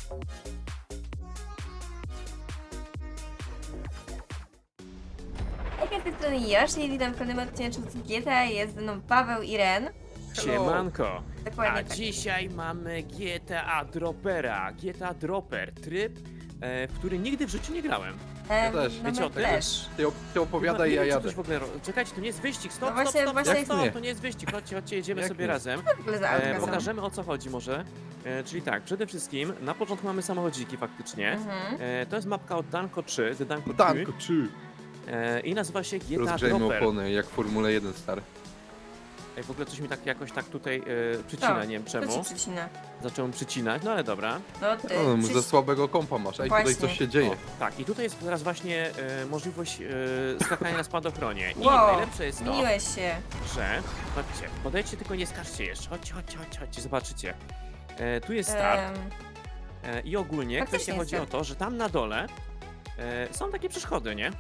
Jak z tej strony Yoshi i witam w kolejnym odcinku z GTA. Jest ze mną Paweł i Ren. Siemanko! Dokładnie A tak. dzisiaj mamy GTA Droppera. GTA Dropper, tryb, w który nigdy w życiu nie grałem. Ja też. No Wiecie my o tym? też. Ty opowiadaj, Nie ja wiem, czy jadę. coś w ogóle Czekajcie, to nie jest wyścig, No stop, właśnie- stop, stop, właśnie- stop, Jak stop, nie? to nie jest wyścig, chodźcie, jedziemy Jak sobie nie? razem. W ogóle za autka są. Pokażemy o co chodzi może. Czyli tak, przede wszystkim na początku mamy samochodziki faktycznie. Mhm. To jest mapka od Danko 3, The Danko 3. Danko, czy? I nazywa się GTA Rozgrzejmy Dropper. opony, jak w Formule 1, stary. Ej, w ogóle coś mi tak jakoś tak tutaj przycina, nie wiem To czemu. ci przycina. Zacząłem przycinać, no ale dobra. No ty. No, za słabego kompa masz. Ej, Właśnie. tutaj coś się dzieje. O, tak, i tutaj jest teraz właśnie możliwość skakania na spadochronie. I Wow, najlepsze jest to, zmieniłeś się. że... Chodźcie, podejdźcie, tylko nie skaczcie jeszcze. Chodźcie, zobaczycie. Tu jest start i ogólnie Faktycznie kwestia jest chodzi o start. to, że tam na dole są takie przeszkody, nie?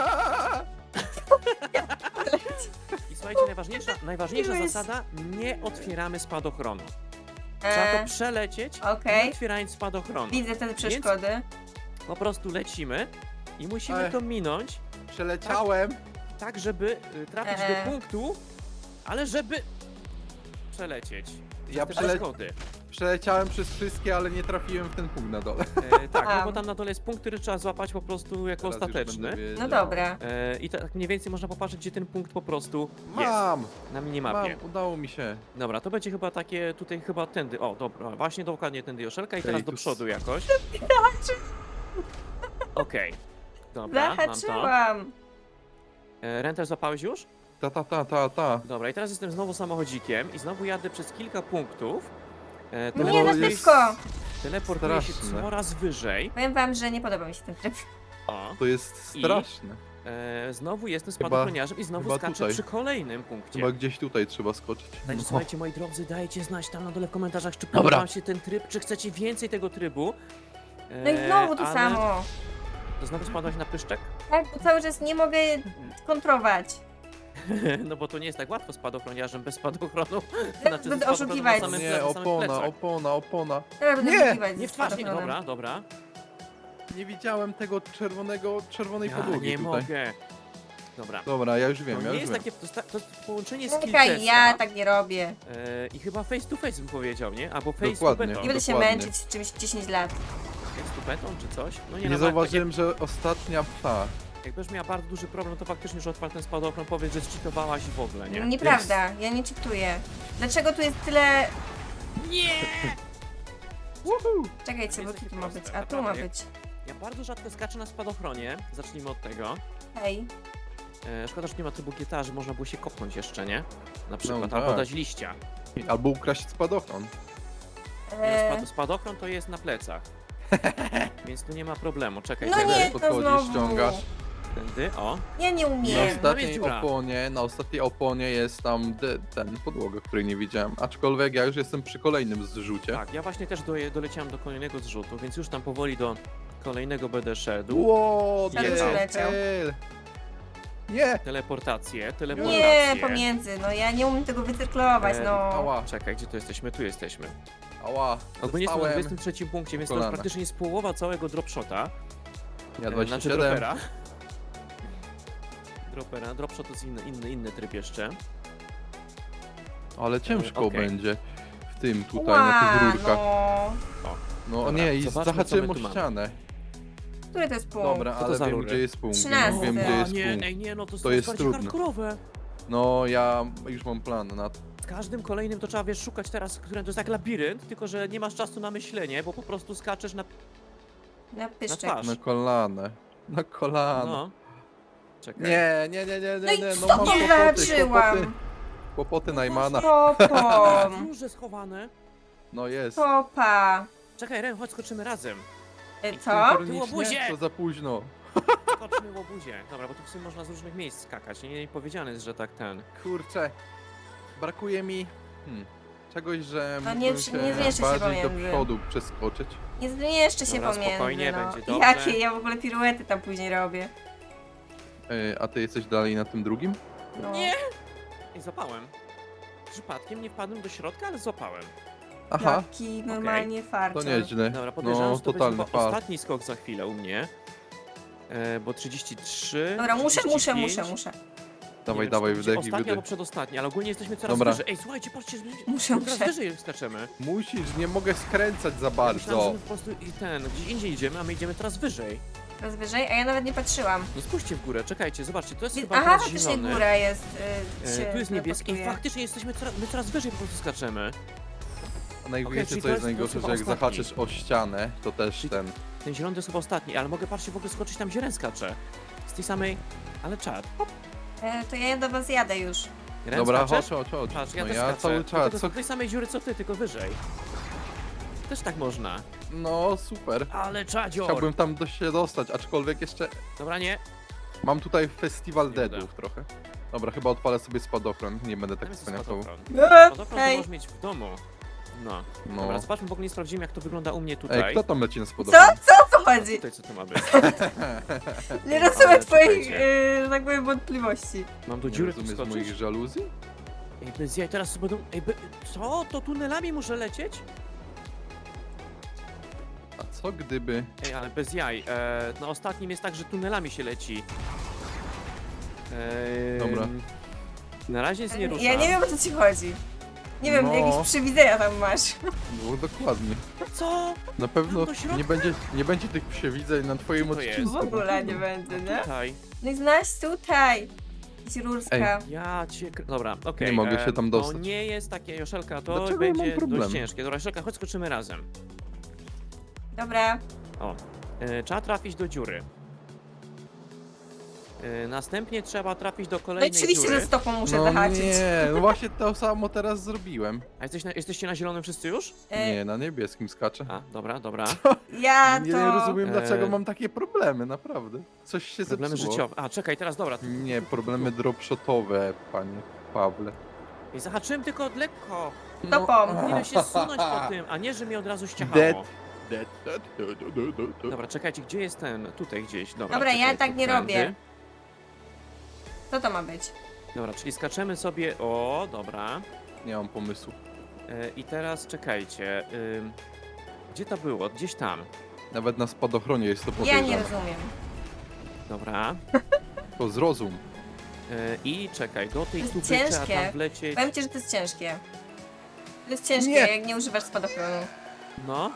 I słuchajcie, najważniejsza Miłeś. zasada, nie otwieramy spadochronu. Trzeba to przelecieć, Okej. nie otwierając spadochronu. Widzę te przeszkody. Po prostu lecimy i musimy Ej. to minąć, Przeleciałem. tak żeby trafić do punktu, ale żeby przelecieć. Ja Przez te przeszkody. Przeleciałem przez wszystkie, ale nie trafiłem w ten punkt na dole. Tak, no A. bo tam na dole jest punkt, który trzeba złapać po prostu jako Teraz już ostateczny. będę wiedział. No dobra. I tak mniej więcej można popatrzeć, gdzie ten punkt po prostu jest Mam, na minimapie. udało mi się. Dobra, to będzie chyba takie, tutaj chyba tędy, o dobra, właśnie dokładnie tędy Joszelka i teraz Ej, do tu przodu jakoś. Okej, dobra, mam to. Zahaczyłam. Renter złapałeś już? Ta. Dobra, i teraz jestem znowu samochodzikiem i znowu jadę przez kilka punktów. No Nie, bo na jest- szybko. Teleportuję się straszne. coraz wyżej. Powiem wam, że nie podoba mi się ten tryb. O, To jest I? straszne. znowu jestem spadochroniarzem i znowu chyba skaczę tutaj. przy kolejnym punkcie. Chyba gdzieś tutaj trzeba skoczyć. Także No. słuchajcie, moi drodzy, dajcie znać tam na dole w komentarzach, czy Dobra. podoba wam się ten tryb, czy chcecie więcej tego trybu. No i znowu to ale- samo. To znowu spadłaś na pyszczek? Tak, bo cały czas nie mogę kontrować. No bo to nie jest tak łatwo spadochroniarzem bez spadochronu. Będę z spadochronu oszukiwać. na samym Nie, na samym opona, plecach. opona. Teraz będę Nie! wyszukiwać Nie ze w twarz, nie, spadochronem. dobra. Nie widziałem tego czerwonej Ja podłogi nie tutaj. mogę. Dobra. Dobra, ja już To wiem, nie ja już jest wiem. takie, to jest połączenie skill Czekaj, testa. ja tak nie robię. I chyba face to face bym powiedział, nie? Albo face Dokładnie. to Nie beton. będę się Dokładnie. męczyć z czymś 10 lat. Face to beton czy coś? No Nie nawet zauważyłem, że ostatnia pta. Jak będziesz miała bardzo duży problem, to faktycznie, że odpal ten spadochron, powiedz, że zcheatowałaś i w ogóle, nie? Nieprawda, ja nie czytuję. Dlaczego tu jest tyle... Nie! Czekajcie, jest bo takie tu ma być, proste, a tu ma naprawdę. być. Ja bardzo rzadko skaczę na spadochronie, zacznijmy od tego. Hej. Szkoda, że nie ma trybu GTA, że można było się kopnąć jeszcze, nie? Na przykład, No albo tak. dać liścia. Albo ukraść spadochron. Spadochron to jest na plecach. Więc tu nie ma problemu, czekaj. No tędy, nie, to podchodzisz, znowu. ściągasz. Tędy, o. Ja nie Na umiem. tam jest ostatniej dziura. na ostatniej oponie jest tam ten podłoga, której nie widziałem. Aczkolwiek ja już jestem przy kolejnym zrzucie. Tak, ja właśnie też doleciałem do kolejnego zrzutu, więc już tam powoli do kolejnego będę szedł. Ło, Tam już leciał. Nie! Teleportację. Nie, pomiędzy, no ja nie umiem tego wycyrklować, no. Ała, Czekaj, gdzie to jesteśmy? Tu jesteśmy. ała. Ogólnie jestem na Dostałem. 23 punkcie, więc to kolana. już praktycznie jest połowa całego dropshota. Ja Znaczy 27. dropera. Dropshot to jest inny tryb jeszcze. Ale ciężko Okej. będzie w tym tutaj, na tych rurkach. No. No Dobra, nie, i zobaczmy, zahaczyłem co o my tu mamy. ścianę. Który to jest punkt? Dobra, Co to ale za wiem, rury? gdzie jest punkt. 13. Wiem, gdzie jest nie, punkt. ej, nie, no to To jest bardziej trudne. hardkorowe. No, ja już mam plan na to. Z każdym kolejnym to trzeba, wiesz, szukać teraz, które to jest jak labirynt, tylko że nie masz czasu na myślenie, bo po prostu skaczesz na... Na pyszczek. twarz. Na kolanę. Na kolano. No. Czekaj. Nie. No i No co mam nie kłopoty, zahaczyłam? kłopoty Najmana. Topom. Duże schowane. No jest. Topa. Czekaj, Ren, chodź, skoczymy razem. Co? Synchronicznie? łobuzie! To za późno. Skoczmy w obuzie. Dobra, bo tu w sumie można z różnych miejsc skakać. Nie powiedziane jest, że tak ten... Kurczę. Brakuje mi czegoś, że No mógłbym nie zmieszczę się bardziej do pomiędzy. przodu przeskoczyć. Nie zmieszczę się Dobra, pomiędzy, spokojnie, no. będzie dobrze. Jakie? Ja w ogóle piruety tam później robię. A ty jesteś dalej na tym drugim? No. Nie! I złapałem. Przypadkiem nie wpadłem do środka, ale złapałem. Aha, Jaki normalnie to farcior. nieźle. Dobra, podejrzewam, No, że to będzie totalny chyba fart. ostatni skok za chwilę u mnie. Bo 33. Dobra, muszę. 35. Dawaj, Nie wiem, dawaj, czy to będzie wdech i ostatni wydech. albo przedostatni, ale ogólnie jesteśmy coraz Dobra. wyżej. Ej, słuchajcie, patrzcie, Muszę. coraz wyżej skaczemy. Musisz, nie mogę skręcać za Myślałem, że bardzo. my po prostu gdzieś indziej idziemy, a my idziemy coraz wyżej. Teraz wyżej, a ja nawet nie patrzyłem. No spójrzcie w górę, czekajcie, zobaczcie, to jest chyba Aha, teraz faktycznie zielony. góra jest. Tu jest niebieski i teleportuje. faktycznie jesteśmy my coraz wyżej po prostu skaczemy. A najwięcej, czyli co to jest jest najgorsze, chyba że jak ostatni. zahaczysz o ścianę, to też Czyli- ten... Ten zielony to jest chyba ostatni, ale mogę, patrzcie, w ogóle skoczyć tam, gdzie Ren skacze. Z tej samej, ale czad. To ja do was jadę już. Ren Dobra, skaczesz? chodź. Patrz, ja No też ja skaczę. cały Tylko czas, to co... z tej samej dziury co ty, tylko wyżej. Też tak można. No, super. Ale czadzior! Chciałbym tam się dostać, aczkolwiek jeszcze Dobra, nie. mam tutaj festiwal Nie uda. deadów trochę. Dobra, chyba odpalę sobie spadochron, nie będę Tam tak jest cwaniakował. spadochron. Spadochron to Hej. możesz mieć w domu. No. No. Dobra, zobaczmy, w ogóle nie sprawdzimy, jak to wygląda u mnie tutaj. Ej, kto tam leci na Co? spadochron? Co o co chodzi? Tutaj co to ma być? Nie rozumiem Ale twoich, czekajcie. że tak powiem, wątpliwości. Mam do Nie dziury tu rozumiesz skoczyć? moich żaluzji? Ej, bez jaj, teraz sobie będą... Ej, co? To tunelami muszę lecieć? A co gdyby... Ej, ale bez jaj. Na ostatnim jest tak, że tunelami się leci. Dobra. Na razie jest nie rusza. Ja nie wiem, o co ci chodzi. Nie wiem, No. jakieś przewidzenia tam masz. No dokładnie. Co? Na pewno do środka? nie będzie tych przewidzeń na twoim Gdzie to jest? odcinku. W ogóle nie będzie, nie? Tutaj. No i znasz tutaj. Rurska. Ja cię... Dobra, okej. Nie mogę się tam dostać. To nie jest takie, Joszelka, to Dlaczego ja mam będzie problem? dość ciężkie. Dobra, Joszelka, chodź skoczymy razem. Dobra. O. Trzeba trafić do dziury. Następnie trzeba trafić do No i kolejnej oczywiście, dziury. że stopą muszę No zahaczyć. nie, no właśnie to samo teraz zrobiłem. A jesteście na zielonym wszyscy już? Nie, na niebieskim skaczę. A, dobra, dobra. Ja Nie to... rozumiem dlaczego E. mam takie problemy, naprawdę. Coś się Problemy zepsuło. życiowe. A, czekaj, teraz dobra. Nie, problemy dropshotowe, panie Pawle. Ej, zahaczyłem tylko od lekko. Stopą. Powinienem się zsunąć po tym, a nie, że mnie od razu ściachało. Dead. Dobra, czekajcie, gdzie jest ten? Tutaj gdzieś. Dobra, Dobra, ja czekaj, tak tu nie tędy. robię. Co to ma być? Dobra, czyli skaczemy sobie. O, dobra. Nie mam pomysłu. I teraz czekajcie. Gdzie to było? Gdzieś tam. Nawet na spadochronie jest to Ja podejrzane. nie rozumiem. Dobra. To zrozum. I czekaj, do tej To jest tuby trzeba ciężkie. tam wlecieć. Powiem ci, że to jest ciężkie. To jest ciężkie, Nie. jak nie używasz spadochronu. No.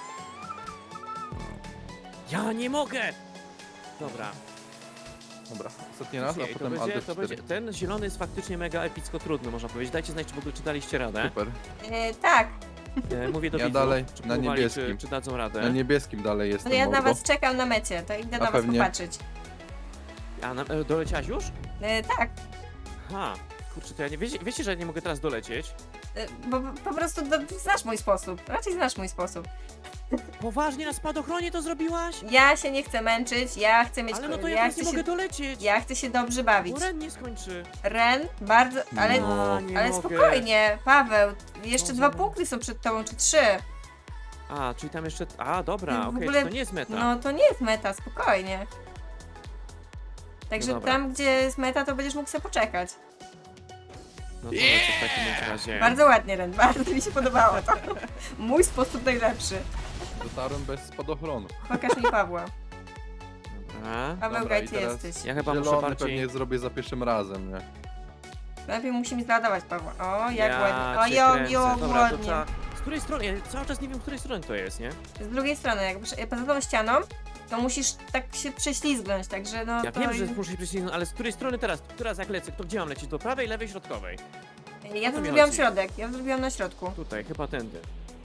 Ja nie mogę! Dobra. Dobra, ostatni raz, a Nie, to potem będzie, Alt to F4. będzie, ten zielony jest faktycznie mega epicko trudny, można powiedzieć. Dajcie znać, czy w ogóle czy daliście radę. Super. Tak. Mówię do Ja widzów, dalej, czy na próbowali, niebieskim. czy dadzą radę. Na niebieskim dalej No jestem, ja na mordo. was czekam na mecie, to idę na was pewnie. popatrzeć. Doleciałaś już? Tak. Ha, kurczę, to ja nie... Wiecie, że ja nie mogę teraz dolecieć? Bo po prostu znasz mój sposób. Raczej znasz mój sposób. Poważnie na spadochronie to zrobiłaś? Ja się nie chcę męczyć, ja chcę mieć... Ale no to ja ja teraz chcę nie się, mogę dolecieć. ja chcę się dobrze bawić. Bo Ren nie skończy. Ren, bardzo... Ale, No. nie ale mogę. spokojnie, Paweł. Jeszcze Boże. 2 punkty są przed tobą, czy 3. A, czyli tam jeszcze... A, dobra, W okej, ogóle- to nie jest meta. No to nie jest meta, spokojnie. Także No dobra. tam, gdzie jest meta, to będziesz mógł sobie poczekać. No to lecę w takim razie. Bardzo ładnie, Ren, bardzo mi się podobało to. Mój sposób najlepszy. Dotarłem bez spadochronu. Pokaż mi Pawła. Dobra. Paweł, Dobra, gdzie i teraz jesteś? Ja chyba muszę Zielony bardziej... pewnie zrobię za pierwszym razem, nie? Najpierw musimy zladować Pawła. O, jak ja ładnie. O, cię jo, kręcę. jo, Dobra, to ładnie. trzeba... Z której strony? Ja cały czas nie wiem, z której strony to jest, nie? Z drugiej strony, jak poza tą ścianą, to musisz tak się prześlizgnąć, także no Ja to... wiem, że muszę się przycisnąć, ale z której strony teraz? Teraz jak lecę, to gdzie mam lecieć? Do prawej, lewej, środkowej? Ja o to to mi zrobiłam chodzi. środek, ja to zrobiłam na środku. Tutaj, chyba tędy.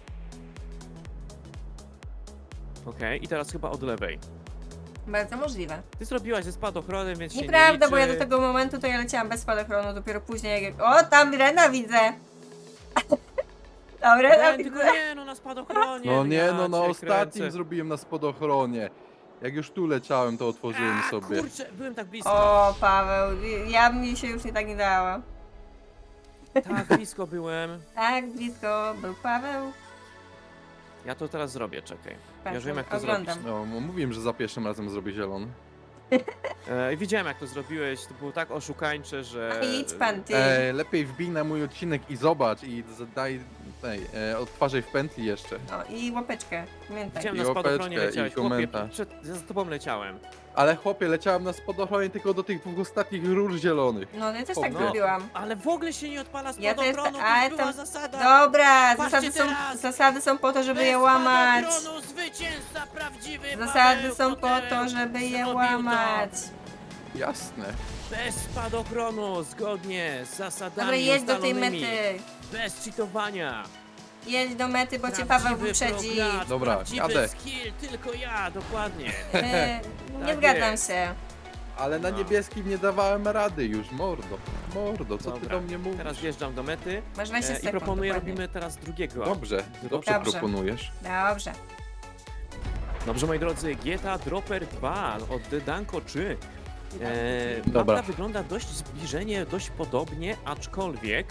Okej, i teraz chyba od lewej. Bardzo możliwe. Ty zrobiłaś ze spadochronem, więc się nie Nieprawda, liczy. bo ja do tego momentu to ja leciałam bez spadochronu, dopiero później jak... O, tam Rena widzę! Tam Rena Nie, widzę! tylko nie, no na spadochronie. No nie, ja no na cię ostatnim kręcę. zrobiłem na spadochronie. Jak już tu leciałem, to otworzyłem A, sobie. kurczę, byłem tak blisko. O, Paweł, ja mi się już nie tak nie dała. Tak blisko byłem. Tak, blisko był Paweł. Ja to teraz zrobię, czekaj. Ja Patrz, już wiem, jak to oglądam. zrobić. No, mówiłem, że za pierwszym razem zrobię zielony. Widziałem, jak to zrobiłeś. To było tak oszukańcze, że... A idź pan, ty. Lepiej wbij na mój odcinek i zobacz i daj odtwarzaj w pętli jeszcze. O, i łapeczkę. Pamiętaj. Widziałem I na spadochronie łapeczkę, leciałeś, i chłopie, komentarz. za tobą leciałem. Ale chłopie, leciałem na spadochronie tylko do tych 2 ostatnich rur zielonych. No, ja też O, tak no. zrobiłam. Ale w ogóle się nie odpala Ja też spadochronu, ta- ale to była tam- zasada. Dobra, Patrzcie teraz! zasady są po to, żeby Bez je łamać. spadochronu zwycięzca prawdziwy Zasady Paweł są po Kotełek to, żeby je zrobił to. łamać. Jasne. Bez spadochronu, zgodnie z zasadami Dobra, jedź do tej ustalonymi. mety. Bez cheatowania. Jedź do mety, bo cię Prawdziwy Paweł wyprzedzi. progracz, Dobra, prawdziwy jadę. skill, tylko ja, dokładnie. Nie Tak zgadzam jest. się. Ale na No. niebieskim nie dawałem rady już, mordo. Mordo, co ty Dobra, do mnie mówisz? teraz wjeżdżam do mety Masz 20 i sekund. proponuję, dokładnie. robimy teraz drugiego. Dobrze, dobrze Dobrze. proponujesz. Dobrze. Dobrze, moi drodzy, GTA Dropper 2 od Danko 3. Dobra. Mapka wygląda dość zbliżenie, dość podobnie, aczkolwiek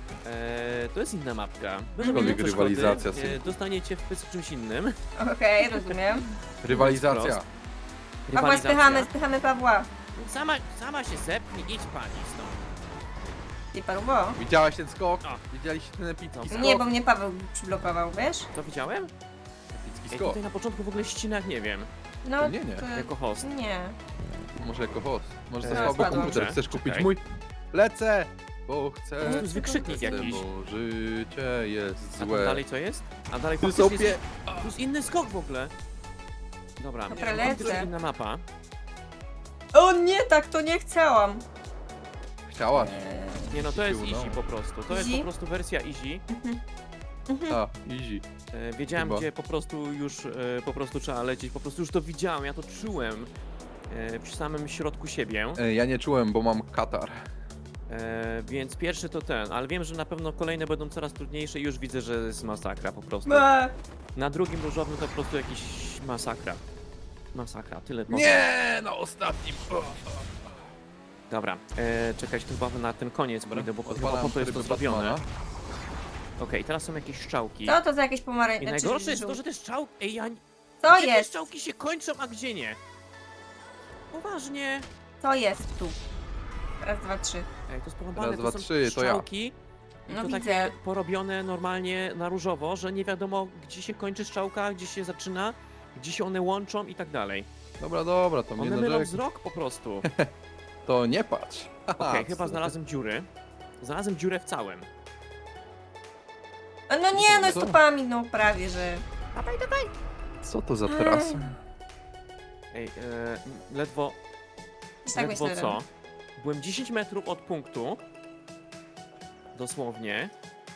to jest inna mapka. Będą Aczkolwiek inne przeszkody, rywalizacja, synku. dostaniecie w pysk czymś innym. Okej, rozumiem. Rywalizacja. Wprost. Pawła, Rywalizacja. spychamy Pawła. Sama się zepnij, idź pani stąd. I parubo. Widziałaś ten skok? O. Widzieliście ten epicki Dobra. skok? Nie, bo mnie Paweł przyblokował, wiesz? To widziałem? Epicki Ej, skok. tutaj na początku w ogóle ścinak nie wiem, No, Nie. jako host. Nie. Może jako host. Może E, za słaby spadłam. komputer. Dobrze, Chcesz kupić czekaj. mój? Lecę! Bo chcę. To jest wykrzyknik jakiś. Bo życie jest A tam złe. dalej co jest? A dalej Ty faktycznie sobie... jest, tu jest inny skok w ogóle. Dobra, Dobra, faktycznie lecę. inna mapa. O nie, tak to nie chciałam. Chciałaś. Nie no, to jest Siu, no. easy po prostu. To jest Easy? po prostu wersja easy. A, easy. Wiedziałem, Chyba. gdzie po prostu już po prostu trzeba lecieć. Po prostu już to widziałem, ja to czułem przy samym środku siebie. Ja nie czułem, bo mam katar. Więc pierwszy to ten, ale wiem, że na pewno kolejne będą coraz trudniejsze i już widzę, że jest masakra po prostu. Na drugim różowym to po prostu jakiś masakra. Masakra, tyle powiem. Nie, na ostatnim. Dobra, czekać tu chyba na ten koniec pójdę, bo chyba Odpalam po to jest to tryby zrobione. Batmana. Okej, teraz są jakieś strzałki. Co to za jakieś I pomarańcze? najgorsze jest to, że te strzałki... Ej, ja... Co gdzie te jest? strzałki się kończą, a gdzie nie? Poważnie. Co jest tu? Raz, dwa, trzy. Ej, to jest porąbane, Raz, to dwa, są trzy, to ja. strzałki. I No to widzę. takie porobione normalnie na różowo, że nie wiadomo gdzie się kończy strzałka, gdzie się zaczyna, gdzie się one łączą i tak dalej. Dobra, dobra, to mnie One mylą narzekaj. wzrok po prostu. To nie patrz. Okej, chyba znalazłem dziury. Znalazłem dziurę w całym. A no nie, no Co? stopami, no prawie, że... Co to za trasa? Ej, ledwo Tak ledwo myślę. co? Byłem 10 metrów od punktu. Dosłownie.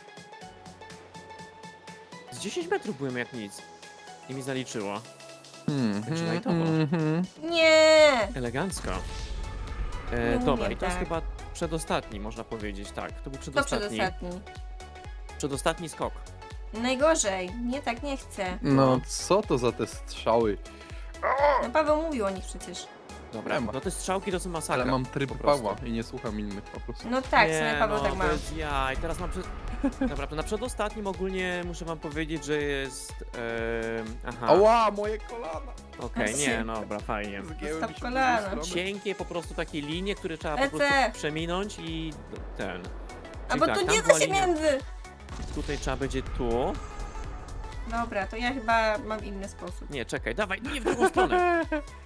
Z 10 metrów byłem jak nic. I mi zaliczyło. Także lajtowo. Nie! Elegancko. Nie Dobra, umiem i to jest tak. chyba przedostatni, można powiedzieć, tak. To był To przedostatni. przedostatni. Przedostatni skok. Najgorzej. Nie, tak nie chcę. No co to za te strzały? No Paweł mówił o nich przecież. Dobra, Nie ma. no te strzałki to są masakra. Ale mam tryb po prostu. Pawła i nie słucham innych po prostu. No tak, nie, sobie Paweł no, tak ma. bez jaj. Teraz mam Dobra, to na przedostatnim ogólnie muszę wam powiedzieć, że jest... aha, Ała, moje kolana! okej, nie, no dobra, fajnie. Zgięły Zostaw mi się w kolana. drugą stronę. Cienkie po prostu takie linie, które trzeba po Lecę. prostu przeminąć i ten. A Czyli bo tak, tu tam nie była da się linia, między. tutaj trzeba będzie tu. Dobra, to ja chyba mam inny sposób. Nie, czekaj, dawaj, nie w drugą stronę.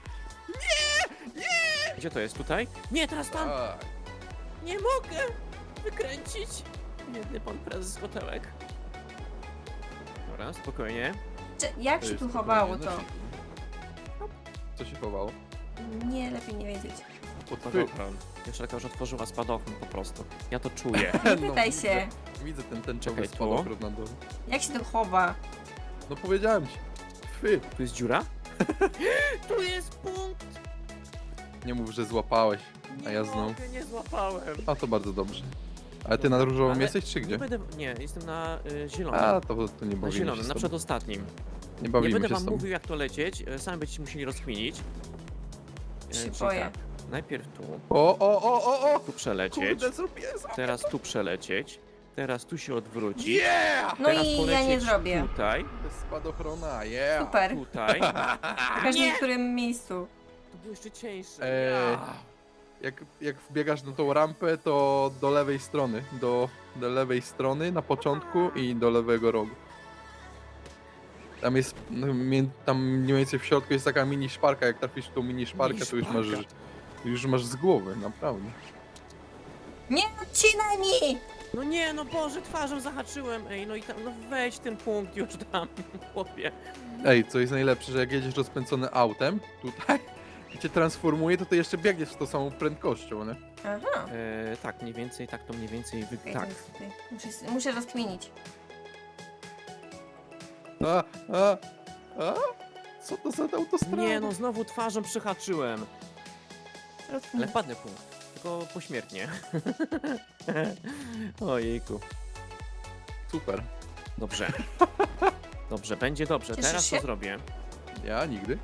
Gdzie to jest? Tutaj? Nie, teraz tam! Tak. Nie mogę wykręcić. Biedny pan prezes Kotełek. Dobra, spokojnie. Jak To się jest tu spokojnie, chowało no to? się- Co się chowało? Nie, lepiej nie wiedzieć. Pod No fy. dobra. Joszelka już otworzyła spadochron po prostu. Ja to czuję. Nie No, pytaj widzę. się. Widzę ten tęczowy Czekaj, tu. spadochron na dole. Jak się to chowa? No powiedziałem ci. Fy. Tu jest dziura? Tu jest punkt! Nie mów, że złapałeś. A ja znowu. mogę, nie złapałem. A to bardzo dobrze. Ale ty na różowym Ale jesteś czy Nie gdzie? będę... Nie, jestem na zielonym. A, to nie Na bawimy się zielonym, z na tobą. przedostatnim. Nie Nie bawimy będę się wam z tobą. mówił jak to lecieć, sami będziecie musieli rozkminić. Się Czyli boję. tak, najpierw tu, O! tu przelecieć, Kurde, zrobię teraz tu przelecieć, teraz tu się odwrócić, Yeah! No teraz i ja polecieć nie zrobię. tutaj, Bez spadochrona, yeah! Super. tutaj. W każdym którym miejscu. To było jeszcze cieńsze. Eee, jak wbiegasz na tą rampę, to do lewej strony. Do lewej strony na początku i do lewego rogu. Tam jest, tam mniej więcej w środku jest taka mini szparka, jak trafisz w tą mini szparkę, to już masz z głowy, naprawdę. Nie odcinaj mi! No nie, no Boże, twarzą zahaczyłem. Ej, no i tam, no weź ten punkt już tam, chłopie. Ej, co jest najlepsze, że jak jedziesz rozpędzony autem, tutaj, i cię transformuje, to ty jeszcze biegniesz z tą samą prędkością, nie? Aha. Tak, mniej więcej, tak to mniej więcej Okej, tak. to jest tutaj. Muszę rozkminić. A? Co to za autostrada? Nie, no znowu twarzą przyhaczyłem. Ale Rozkminić. wpadnę punkt, tylko pośmiertnie. Ojejku. Super. Dobrze. Dobrze, będzie dobrze. Cieszysz Teraz się? to zrobię. Ja nigdy.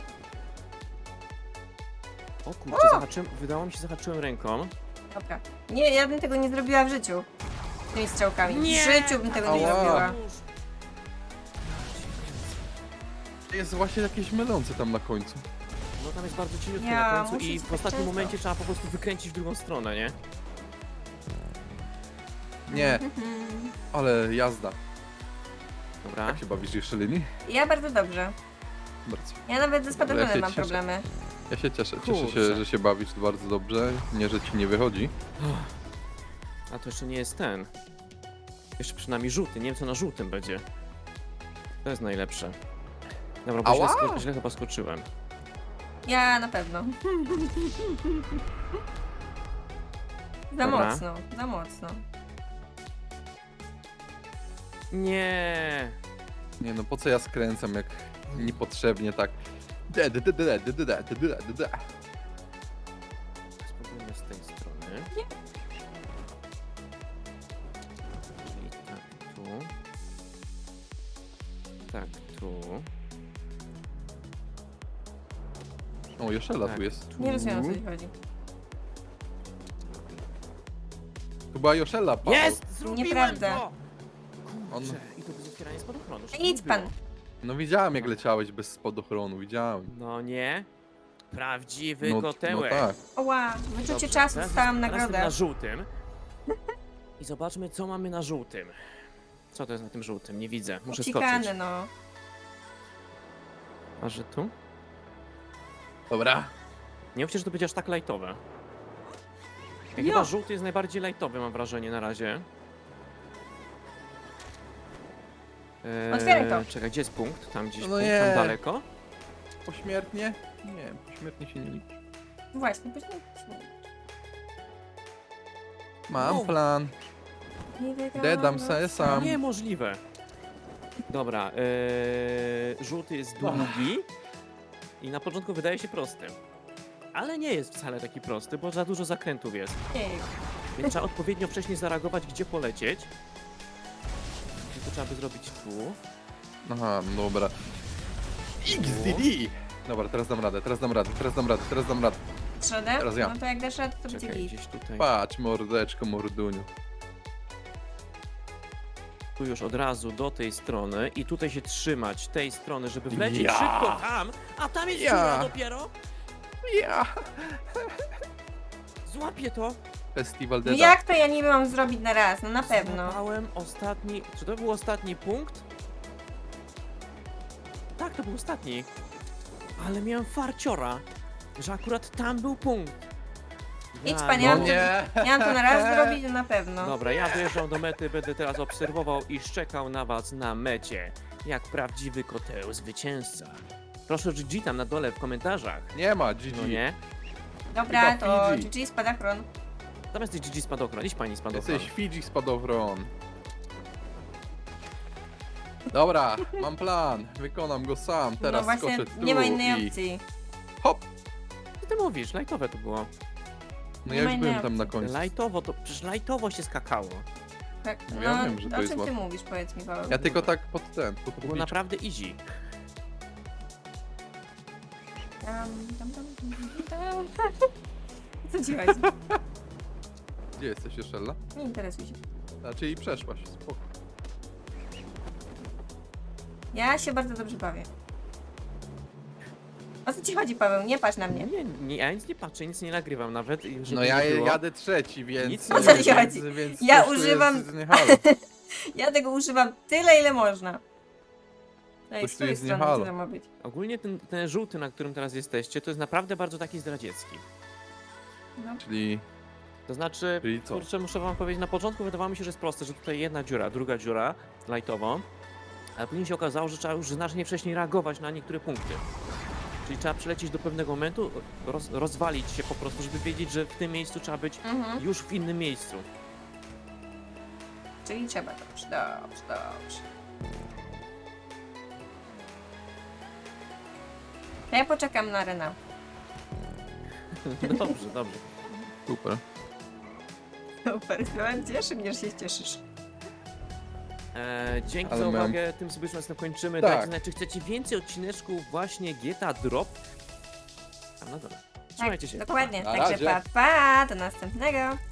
O kurczę, zahaczyłem, wydało mi się, zahaczyłem ręką. Dobra. Nie, ja bym tego nie zrobiła w życiu. Z tymi strzałkami. Nie! W życiu bym tego nie Ała. zrobiła. Jest właśnie jakieś mylące tam na końcu. No tam jest bardzo cieniutko Ja, na końcu muszę i się w tak ostatnim często. momencie trzeba po prostu wykręcić w drugą stronę, nie? Nie, Mhm. ale jazda. Dobra. Jak się bawisz jeszcze, Lini? Ja bardzo dobrze. Bardzo. Ja nawet ze spadochronem Ja się mam cieszę. problemy. Ja się cieszę Kurczę. się, że się bawisz bardzo dobrze. Nie, że ci nie wychodzi. A to jeszcze nie jest ten. Jeszcze przynajmniej żółty, nie wiem co na żółtym będzie. To jest najlepsze. Dobra, bo Ała! źle chyba skoczyłem. Ja na pewno. Za Dobra. mocno, za mocno. Nie. Nie no, po co ja skręcam, jak niepotrzebnie tak. Spróbujmy z tej strony. Czyli tak tu. Tak tu. O, Joszela Tak, tu jest. Nie rozumiem, o co ci chodzi. Chyba Joszela, Paweł. Jest! Zrobiłem Nieprawda. to! On- Kurczę, i to bez otwierania spadochronu. żeby Idź nie pan. było. No widziałem, jak leciałeś bez spadochronu, widziałem. No nie. Prawdziwy No kotełek. tak. Oła, wyczucie Dobrze, czasu, teraz dostałam teraz nagrodę. na żółtym. I zobaczmy, co mamy na żółtym. Co to jest na tym żółtym? Nie widzę. Muszę skoczyć. Uciekane, no. A że tu? Dobra. Nie mówcie, że to będzie aż tak lajtowe. Ja Jo. chyba żółty jest najbardziej lajtowy, mam wrażenie, na razie. Otwieraj to. Czekaj, gdzie jest punkt? Tam gdzieś No punkt, nie. tam daleko. Pośmiertnie? Nie, pośmiertnie się nie liczy. Właśnie, później. Mam Wow. plan. Nie wygrałam Dedam se sam. Niemożliwe. Dobra, żółty jest długi i na początku wydaje się prosty. Ale nie jest wcale taki prosty, bo za dużo zakrętów jest. Ej, Więc trzeba odpowiednio wcześniej zareagować, gdzie polecieć. I to trzeba by zrobić tu. Aha, no dobra. XDD! Dobra, teraz dam radę. Trzodę? Teraz ja. No to jak dasz radę, to będzie Czekaj, git. gdzieś tutaj. Patrz, mordeczko, morduniu. Tu już od razu do tej strony i tutaj się trzymać tej strony, żeby wlecieć Ja. szybko tam, a tam jest Ja. dziura dopiero. Ja! Złapię to. Festiwal No Deda. jak to ja niby mam zrobić na raz? No na pewno. Złapałem ostatni... Czy to był ostatni punkt? Tak, to był ostatni. Ale miałem farciora, że akurat tam był punkt. Idź Ja pan, no ja mam, nie. to, ja mam to na raz zrobić, no na pewno. Dobra, ja dojeżdżam do mety, będę teraz obserwował i szczekał na was na mecie. Jak prawdziwy koteł zwycięzca. Proszę GG tam na dole w komentarzach. Nie ma, GG. No nie? Dobra, chyba to Fidżi. GG spadachron. Tam jesteś GG spadochron, idź pani spadochron. Jesteś Fidżi spadowron. Dobra, mam plan. Wykonam go sam. Teraz No właśnie, skoczę tu nie ma innej i... opcji. Hop! Co ty mówisz? Lajtowe to było. No Nie ja ma już innej byłem tam na opcji. końcu. Lajtowo to, przecież lajtowo się skakało. Tak, No no, ja wiem, że to o jest czym ty łatwe. mówisz, powiedz mi, Paweł. Ja tylko tak pod ten, pod To było publiczkę. naprawdę easy. Tam. Co ci chodzi? Gdzie jesteś, Joszella? Nie interesuj się. Znaczy i przeszłaś, spoko. Ja się bardzo dobrze bawię. co ci chodzi, Paweł? Nie patrz na mnie. Nie, ja nic nie patrzę, nic nie nagrywam nawet. i żeby No nie ja było. jadę trzeci, więc... Nic O co ci chodzi? Więc Ja coś tu używam- jest nie halo. Ja tego używam tyle, ile można. Ej, Coś z tu tej jest nie strony halo. tyle ma być. Ogólnie ten żółty, na którym teraz jesteście, to jest naprawdę bardzo taki zdradziecki. No. Czyli... To znaczy, Czyli co? kurczę, muszę wam powiedzieć, na początku wydawało mi się, że jest proste, że tutaj jedna dziura, druga dziura, lightową, ale później się okazało, że trzeba już znacznie wcześniej reagować na niektóre punkty. Czyli trzeba przylecieć do pewnego momentu, rozwalić się po prostu, żeby wiedzieć, że w tym miejscu trzeba być Mhm. już w innym miejscu. Czyli trzeba, dobrze. To ja poczekam na Rena. Dobrze. Super. Super, cieszy mnie, że się cieszysz. Dzięki Ale za miałem- uwagę, tym sobie już nas kończymy. Tak. Dajcie znać, czy chcecie więcej odcineczków właśnie GTA Drop. A no dobra. Trzymajcie się. Dokładnie. Na Także razie. pa, do następnego.